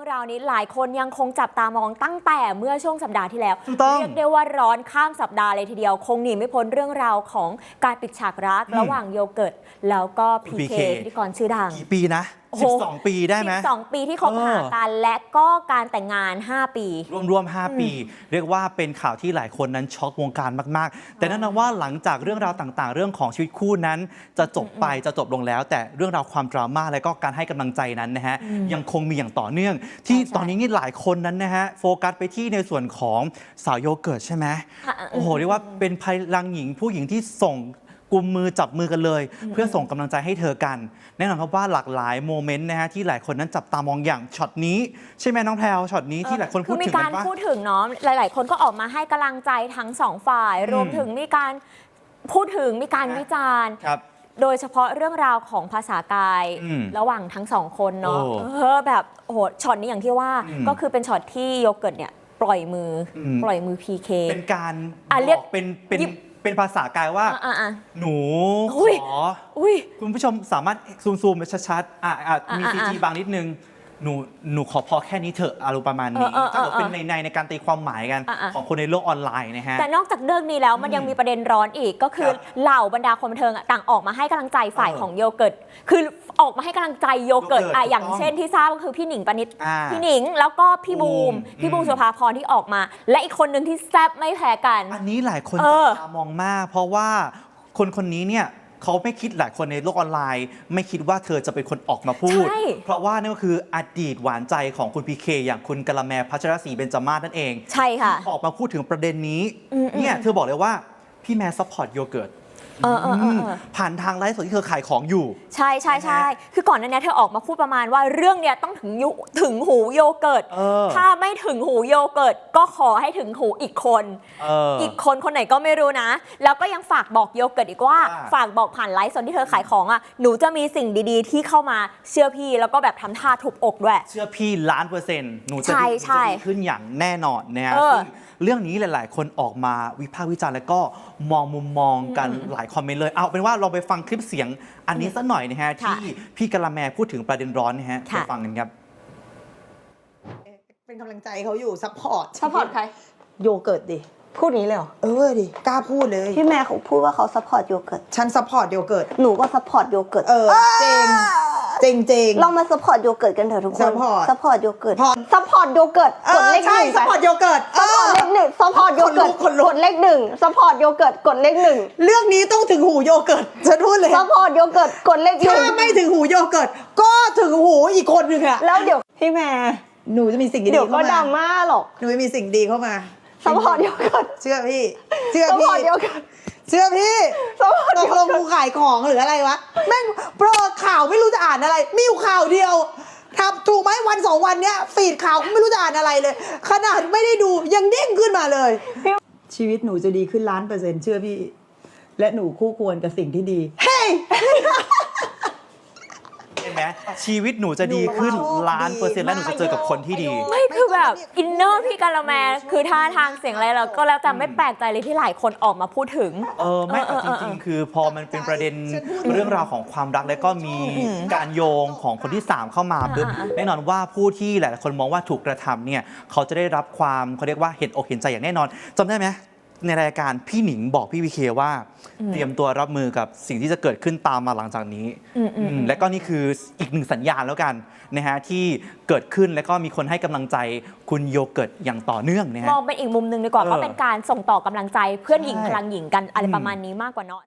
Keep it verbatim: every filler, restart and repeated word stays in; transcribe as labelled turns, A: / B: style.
A: ราวนี้หลายคนยังคงจับตามองตั้งแต่เมื่อช่วงสัปดาห์ที่แล้วเรียกได้ว่าร้อนข้ามสัปดาห์เลยทีเดียวคงหนีไม่พ้นเรื่องราวของการปิดฉากรักระหว่างโยเกิร์ตแล้วก็พีเคพิธีกรชื่อดัง
B: กี่ปีนะสิบสองปีได้ไหม
A: สิบสองปีที่คบหากันและก็การแต่งงานห้าปี
B: รวมๆห้าปีเรียกว่าเป็นข่าวที่หลายคนนั้นช็อกวงการมากๆแต่นั่นนะว่าหลังจากเรื่องราวต่างๆเรื่องของชีวิตคู่นั้นจะจบไปจะจบลงแล้วแต่เรื่องราวความดราม่าและก็การให้กำลังใจนั้นนะฮะยังคงมีอย่างต่อเนื่องที่ตอนนี้นี่หลายคนนั้นนะฮะโฟกัสไปที่ในส่วนของสาวโยเกิร์ตใช่ไหมโอ้โหเรียกว่าเป็นพลังหญิงผู้หญิงที่ส่งกุมมือจับมือกันเลยเพื่อส่งกำลังใจให้เธอกันแน่นอนครับว่าหลากหลายโมเมนต์นะฮะที่หลายคนนั้นจับตามองอย่างช็อตนี้ใช่ไหมน้องแพรวช็อตนี้ที่หลายคนพูดถึงกันว่า
A: มีการพูดถึงเนาะหลายๆคนก็ออกมาให้กำลังใจทั้งสองฝ่ายรวมถึงมีการพูดถึงมีการวิจารณ์โดยเฉพาะเรื่องราวของภาษากายระหว่างทั้งสองคนเนาะเออแบบโอ้โหช็อตนี้อย่างที่ว่าก็คือเป็นช็อตที่โยเกิร์ตเนี่ยปล่อยมือปล่อยมือ พี เค
B: เป็นการบอกเป็นเป็นเป็นภาษากายว่าหนูขอคุณผู้ชมสามารถซูมซูมไปชัดๆอ่ะมีซีจีบางนิดนึงหนูหนูขอพอแค่นี้เถอะอารมณ์ประมาณนี้ถ้าเกิดเป็นในในในการตีความหมายกันของคนในโลกออนไลน์นะฮะ
A: แต่นอกจากเรื่องนี้แล้วมันยังมีประเด็นร้อนอีกก็คือเหล่าบรรดาคนบันเทิงต่างออกมาให้กำลังใจฝ่ายของโยเกิร์ตคือออกมาให้กำลังใจโยเกิร์ตอ่ะอย่างเช่นที่ทราบก็คือพี่หนิงปณิตพี่หนิงแล้วก็พี่บูมพี่บูมสุภาพรที่ออกมาและอีกคนหนึ่งที่แซ่บไม่แพ้กัน
B: อันนี้หลายคนจับตามองมากเพราะว่าคนคนนี้เนี่ยเขาไม่คิดหลายคนในโลกออนไลน์ไม่คิดว่าเธอจะเป็นคนออกมาพูดเพราะว่านี่ก็คืออดีตหวานใจของคุณพีเคอย่างคุณกะละแมพัชรศรีเบญจมาศนั่นเอง
A: ใช่ค่ะ
B: ออกมาพูดถึงประเด็นนี้เนี่ยเธอบอกเลยว่าพี่แม่ซัพพอร์ตโยเกิร์ตผ่านทางไลฟ์สดที่เธอขายของอยู่
A: ใช่ใช่ใช่คือก่อนหน้านี้เธอออกมาพูดประมาณว่าเรื่องเนี้ยต้องถึงถึงหูโยเกิร์ตถ้าไม่ถึงหูโยเกิร์ตก็ขอให้ถึงหูอีกคนอีกคนคนไหนก็ไม่รู้นะแล้วก็ยังฝากบอกโยเกิร์ตอีกว่าฝากบอกผ่านไลฟ์สดที่เธอขายของอ่ะหนูจะมีสิ่งดีๆที่เข้ามาเชื่อพี่แล้วก็แบบทำท่าทุบอกด้วย
B: เชื่อพี่ล้านเปอร์เซ็นต์หนูจะดีขึ้นอย่างแน่นอนนะฮะเรื่องนี้หลายๆคนออกมาวิพากษ์วิจารณ์แล้วก็มองมุมมองกันหลายคอมเมนต์เลยเอาเป็นว่าเราไปฟังคลิปเสียงอันนี้สักหน่อยนะฮะที่พี่กะละแมพูดถึงประเด็นร้อนนะฮะไปฟังกันครับ
C: เป็นกำลังใจเขาอยู่ซัพพอร์ต
D: ซัพพอร์ตใคร
C: โยเกิร์ตดิ
D: พูดนี้เลยเหรอ
C: เออดิกล้าพูดเลย
D: พี่แม่เขาพูดว่าเขาซัพพอร์ตโยเกิร์ต
C: ฉันซัพพอร์ตโยเกิร์ต
D: หนูก็ซัพพอร์ตโยเกิร์ต
C: เออเจงเจงเจง
D: เรามาซัพพอร์ตโยเกิร์ตกันเถอะทุกคนซัพพอร์ตซัพพอร์ตโยเกิร์ตซัพพอร์ตโยเกิร์ต
C: กดเลขหนึ่งซัพพอร์ตโยเกิร์ต
D: ซัพพอร์ตเลขหนึ่งซัพพอร์ตโยเกิร์ตกดเลขหนึ่งซัพพอร์ตโยเกิร์ตกดเลขหนึ่ง
C: เรื่องนี้ต้องถึงหูโยเกิร์ตฉันพูดเลย
D: ซัพพอร์ตโยเกิร์ตกดเลขหนึ่ง
C: ถ้าไม่ถึงหูโยเกิร์ตก็ถึงหูอีกคนนึงอะ
D: แล้วเดี๋ยวพี่แม่
C: หนูจะมีสิ่งดี
D: เข้ามาเดี๋ยวก็ดราม่าหรอก
C: หนูจะมีสิ่งดีเข้ามา
D: ซัพพอร์ตโยเกิร์ต
C: เชื่อพี่เชื่อพี่เชื่อพี่ตกลงกูขายของหรืออะไรวะแม่งโปรข่าวไม่รู้จะอ่านอะไรมีอยู่ข่าวเดียวทำถูกไหมวันสองวันเนี้ยฟีดข่าวไม่รู้จะอ่านอะไรเลยขนาดไม่ได้ดูยังเด้งขึ้นมาเลยชีวิตหนูจะดีขึ้นล้านเปอร์เซ็นต์เชื่อพี่และหนูคู่ควรกับสิ่งที่ดีเฮ้ย
B: เห็นไหมชีวิตหนูจะดีขึ้นล้านเปอร์เซ็นต์และหนูจะเจอกับคนที่ดี
A: ไม่คือแบบอินเนอร์พี่กะละแมคือท่าทางเสียงอะไรเราก็แล้วแต่ไม่แปลกใจเลยที่หลายคนออกมาพูดถึง
B: เออไม่แต่จริงๆคือพอมันเป็นประเด็นเรื่องราวของความรักแล้วก็มีการโยงของคนที่สามเข้ามาแน่นอนว่าผู้ที่หลายๆคนมองว่าถูกกระทำเนี่ยเขาจะได้รับความเขาเรียกว่าเห็นอกเห็นใจอย่างแน่นอนจำได้ไหมในรายการพี่หนิงบอกพี่วีเคว่าเตรียมตัวรับมือกับสิ่งที่จะเกิดขึ้นตามมาหลังจากนี้และก็นี่คืออีกหนึ่งสัญญาณแล้วกันนะฮะที่เกิดขึ้นและก็มีคนให้กำลังใจคุณโยเกิร์ตอย่างต่อเนื่องนะฮะ
A: มองเป็นอีกมุมหนึ่งดีกว่าก็เป็นการส่งต่อกำลังใจเพื่อนหญิงพลังหญิงกันอะไรประมาณนี้มากกว่าเนาะ